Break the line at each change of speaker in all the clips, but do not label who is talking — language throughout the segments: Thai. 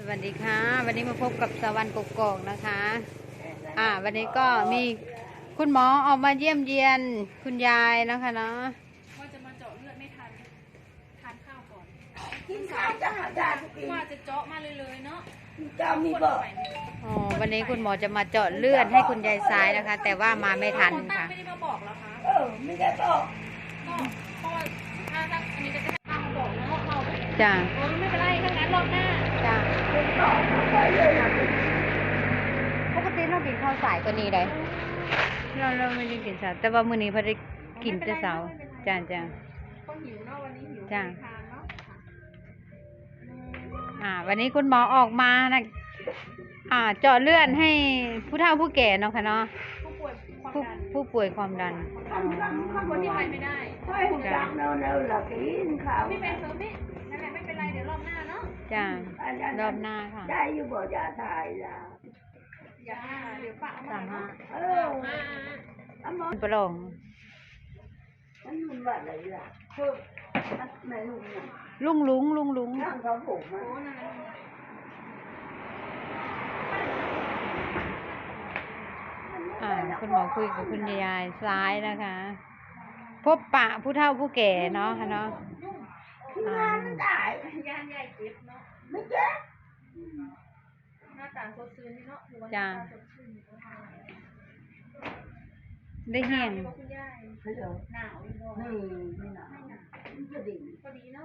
วัสดีค่ะวันนี้มาพบกับสวรรค์กกอกนะคะวันนี้ก็มีคุณหมอออกมาเยี่ยมเยียนคุณยายนะคะเนาะ
ว่าจะมาเจาะเลือดไม่ทันทานข้าวก่อน
กินข้าวจะหาจานกิน
ว่าจะเจาะมาเลยเนาะ
จะมีบ่
วันนี้คุณหมอจะมาเจาะเลือดให้คุณยายซ้ายนะคะ แต่ว่ามาไม่ทันค่ะ
ไม่ได้มาบอกแล้วคะ
ไม่ได้บอก
ก็เพราะว่าถ้าอันนี้จะทำมาบอกเนาะเรา
จ้า
ไม่เป็นไรทั้งนั้นรอบหน้า
จ้าปกติเรากินข้าวสายก็นี่เลยเราไม่ได้กินสายแต่ว่ามื้อนี้พอได้กินแต่เช้าจ้า
ก็หิวเนาะวันนี้หิว
จ้า
ทานเนา
ะวันนี้คุณหมอออกมานะเจาะเลือดให้ผู้เฒ่าผู้แก่เนาะค่ะเนาะผู้ป่วยความดัน
คนที่ไปไม่ได้
ดังเร็วๆหลักกินข้าว
ไม่เป็นเสริมนี่นั่นแหละไม่เป็นไรเดี๋ยวรอบหน้าเนาะ
จ้ารอบหน้าค่ะ
ได้อยู่บ่ยาถ่ายล่ะ
อย่าเดี๋ยวปะ
35ปลง
มันมันว่าอะไรล่ะไม่รู้นะ
ลุง
นั่งเขาผมอ่ะ
คุณหมอคุยกับคุณยายซ้ายนะคะพบปะผู้เฒ่าผู้แก่เนาะค่ะเนาะ
งานไม่ได้
ย่านใหญ่เก็บเนาะ
ไม่เจ็บ
หน้าตาสดชื่นนี่เนาะ
จ้าได้แห้ง
หนาว
นี่ไม่หนาวพอ
ดีเนาะ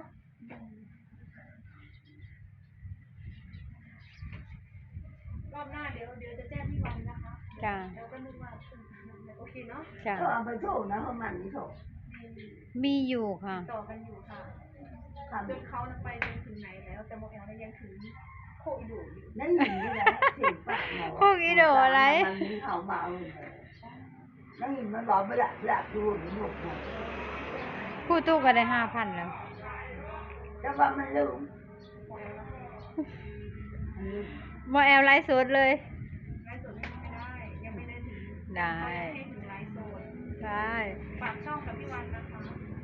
รอบหน้าเดี๋ยวจะแจ้งพี่วันนะคะ
จ้า
แล้วก็นึกว่าโอเคเนาะ
จ้า
เอาไปโทษนะเขามันนี่โทษ
มีอยู่ค่ะ
ต่อกันอยู่ค่ะจนเขาไปจนถึงไหนแล้วแต่โมเอลยังถึงโคอีโดอยู่
นั่นอยู่นี่แหละถึงปะ
โคอีโดอะไร
มันมีเขามานั่นเห็นมันบอกไม่ละดูหนุก
ผู้ตู้ก็ได้5,000แล้ว
แต่ว่ามันลืม
โมเอลไลฟ์สดเลย
ไลฟ์สดไม่ได้ยังไม่ได้ถึง
ได้
ถึงไลฟ์สด
ใช่
ฝากช่องกับพี่วันนะคะ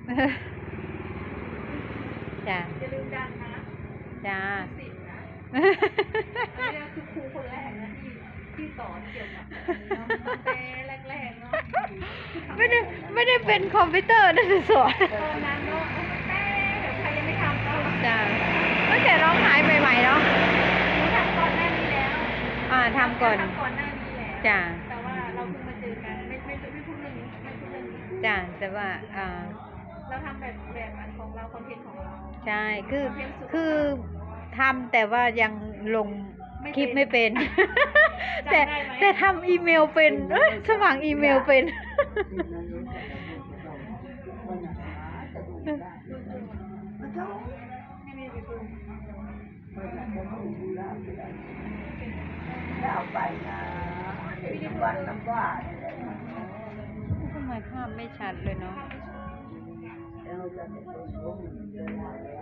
จ้า
อย่าลืมดังนะ
จ้า
สิบนะนี่คือครูคนแรกนะที่สอนเกี่ยวกับแต่แรกๆเนาะ
ไม่ได้เป็นคอมพิวเตอร์นะสอน
ตอนนั้นเนาะแต่ใครยังไม่ทำก็
จ้าตั้งแต่ร้องหายใหม่ๆเนาะ
ทำก่อนหน้านี้แล้ว
ทำก่อน
หน้านี้แล้ว
จ้า
แต่ว่าเราเพิ่งมาเจอกันไม่พูดเรื่องนี้ไม่พูดเรื่องนี้
จ้าแต่ว่า
เราทำแบบอันของเราคอนเทนต์ของเรา
ใช่คือทำแต่ว่ายังลงคลิปไม่เป็นแต่ทำอีเมลเป็นสมัครอีเมลเป็น
เอาไปนะวันน้ำว่า
ทำไมภาพไม่ชัดเลยเนาะ